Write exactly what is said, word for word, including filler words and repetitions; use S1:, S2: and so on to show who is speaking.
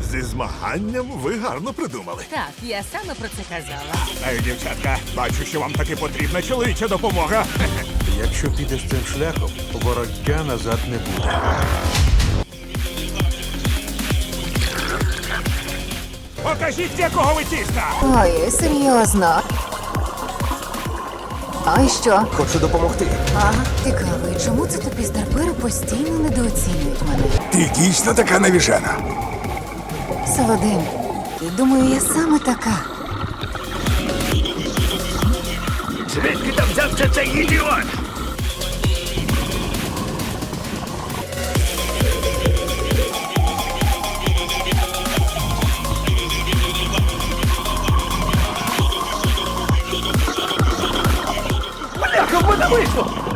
S1: Зі змаганням ви гарно придумали.
S2: Так, я саме про це казала.
S3: Ей, дівчатка, бачу, що вам таки потрібна чоловіча допомога.
S4: Якщо підеш цим шляхом, вороття назад не буде.
S3: Покажіть, з якого ви тіста!
S5: Ой, серйозно. А і що?
S4: Хочу допомогти.
S5: Ага. Цікаво, і чому це тобі старпери постійно недооцінюють мене?
S3: Ти дійсно така навіжена.
S5: Солодим. І думаю, я саме така.
S3: Звідки там взявся цей ідіот? Бляха, в мене вийшло!